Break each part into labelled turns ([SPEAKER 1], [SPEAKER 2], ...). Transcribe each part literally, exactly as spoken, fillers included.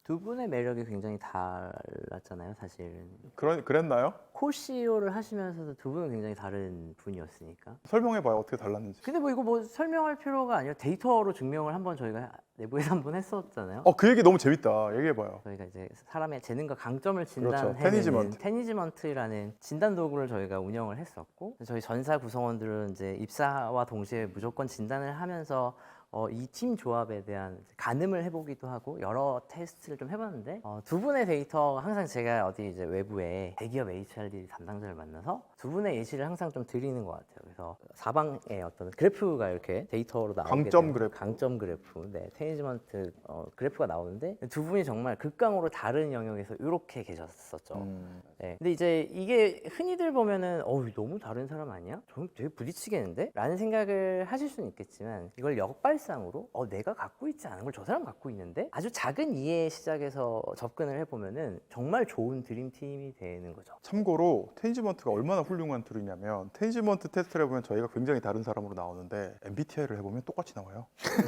[SPEAKER 1] 두 분의 매력이 굉장히 달랐잖아요, 사실은.
[SPEAKER 2] 그런 그랬나요?
[SPEAKER 1] 코시오를 하시면서도 두 분은 굉장히 다른 분이었으니까.
[SPEAKER 2] 설명해봐요. 어떻게 달랐는지.
[SPEAKER 1] 근데 뭐 이거 뭐 설명할 필요가 아니라 데이터로 증명을 한번 저희가 내부에서 한번 했었잖아요.
[SPEAKER 2] 어, 그 얘기 너무 재밌다. 얘기해봐요.
[SPEAKER 1] 저희가 이제 사람의 재능과 강점을
[SPEAKER 2] 그렇죠.
[SPEAKER 1] 진단해내는
[SPEAKER 2] 테니지먼트.
[SPEAKER 1] 테니지먼트라는 진단 도구를 저희가 운영을 했었고, 저희 전사 구성원들은 이제 입사와 동시에 무조건 진단을 하면서 어, 이 팀 조합에 대한 가늠을 해보기도 하고 여러 테스트를 좀 해봤는데, 어, 두 분의 데이터 항상 제가 어디 이제 외부에 대기업 에이치알디 담당자를 만나서 두 분의 예시를 항상 좀 드리는 것 같아요. 그래서 사방에 어떤 그래프가 이렇게 데이터로 나오게
[SPEAKER 2] 강점
[SPEAKER 1] 되면
[SPEAKER 2] 그래프.
[SPEAKER 1] 강점 그래프, 네, 테니지먼트 어, 그래프가 나오는데 두 분이 정말 극강으로 다른 영역에서 이렇게 계셨었죠.
[SPEAKER 2] 음.
[SPEAKER 1] 네. 근데 이제 이게 흔히들 보면은 어우 너무 다른 사람 아니야? 저 되게 부딪히겠는데? 라는 생각을 하실 수는 있겠지만, 이걸 역발상으로 어 내가 갖고 있지 않은 걸 저 사람 갖고 있는데? 아주 작은 이해 시작에서 접근을 해보면은 정말 좋은 드림팀이 되는 거죠.
[SPEAKER 2] 참고로 테니지먼트가 얼마나 훌륭한 툴이냐면, 테니지먼트 테스트를 해보면 저희가 굉장히 다른 사람으로 나오는데 엠비티아이를 해보면 똑같이 나와요.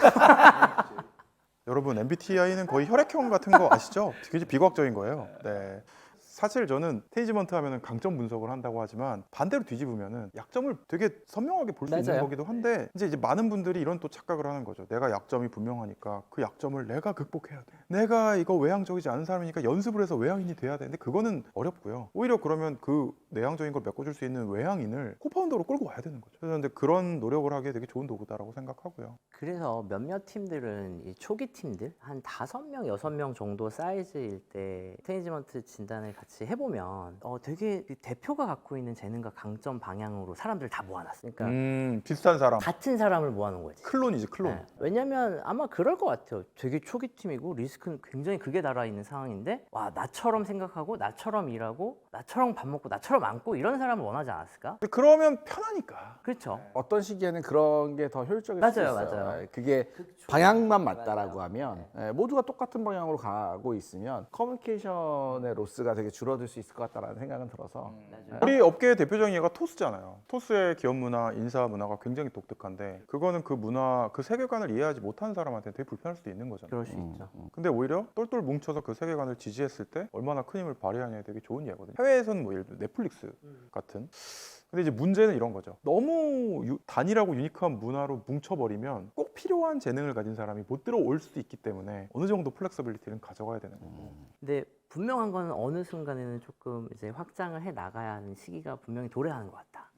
[SPEAKER 2] 여러분, 엠비티아이는 거의 혈액형 같은 거 아시죠? 굉장히 비과학적인 거예요. 네. 사실 저는 테니지먼트 하면은 강점 분석을 한다고 하지만, 반대로 뒤집으면은 약점을 되게 선명하게 볼 수 있는
[SPEAKER 1] 맞아요.
[SPEAKER 2] 거기도 한데, 이제 이제 많은 분들이 이런 또 착각을 하는 거죠. 내가 약점이 분명하니까 그 약점을 내가 극복해야 돼. 내가 이거 외향적이지 않은 사람이니까 연습을 해서 외향인이 돼야 돼. 근데 그거는 어렵고요. 오히려 그러면 그 내향적인 걸 메꿔줄 수 있는 외향인을 코파운더로 끌고 와야 되는 거죠. 그래서 근데 그런 노력을 하기에 되게 좋은 도구다라고 생각하고요.
[SPEAKER 1] 그래서 몇몇 팀들은 이 초기 팀들 한 다섯 명, 여섯 명 정도 사이즈일 때 테니지먼트 진단을 같이 해보면 어 되게 이 대표가 갖고 있는 재능과 강점 방향으로 사람들을 다 모아놨어. 그러니까
[SPEAKER 2] 음, 비슷한 사람.
[SPEAKER 1] 같은 사람을 모아놓은 거지.
[SPEAKER 2] 클론이지, 클론.
[SPEAKER 1] 네. 왜냐면 아마 그럴 것 같아요. 되게 초기 팀이고 리스크는 굉장히 극에 달아 있는 상황인데, 와 나처럼 생각하고 나처럼 일하고 나처럼 밥 먹고 나처럼 앉고 이런 사람을 원하지 않았을까?
[SPEAKER 2] 근데 그러면 편하니까.
[SPEAKER 1] 그렇죠.
[SPEAKER 3] 어떤 시기에는 그런 게 더 효율적일 수
[SPEAKER 1] 맞아요,
[SPEAKER 3] 있어요.
[SPEAKER 1] 맞아요.
[SPEAKER 3] 예, 그게
[SPEAKER 1] 그쵸.
[SPEAKER 3] 방향만 맞다라고
[SPEAKER 1] 맞아요.
[SPEAKER 3] 하면 예, 모두가 똑같은 방향으로 가고 있으면 커뮤니케이션의 로스가 되게 줄어들 수 있을 것 같다라는 생각은 들어서
[SPEAKER 1] 맞아요.
[SPEAKER 2] 우리 업계의 대표적인 예가 토스잖아요. 토스의 기업 문화, 인사 문화가 굉장히 독특한데, 그거는 그 문화, 그 세계관을 이해하지 못하는 사람한테 되게 불편할 수도 있는 거잖아요.
[SPEAKER 1] 그럴 수 있죠.
[SPEAKER 2] 근데 오히려 똘똘 뭉쳐서 그 세계관을 지지했을 때 얼마나 큰 힘을 발휘하냐에 되게 좋은 예거든요. 해외에서는 뭐 예를 들어 넷플릭스 같은. 근데 이제 문제는 이런 거죠. 너무 유- 단일하고 유니크한 문화로 뭉쳐버리면 꼭 필요한 재능을 가진 사람이 못 들어올 수도 있기 때문에 어느 정도 플렉서빌리티는 가져가야 되는 거고.
[SPEAKER 1] 근데 분명한 거는 어느 순간에는 조금 이제 확장을 해 나가야 하는 시기가 분명히 도래하는 것 같다.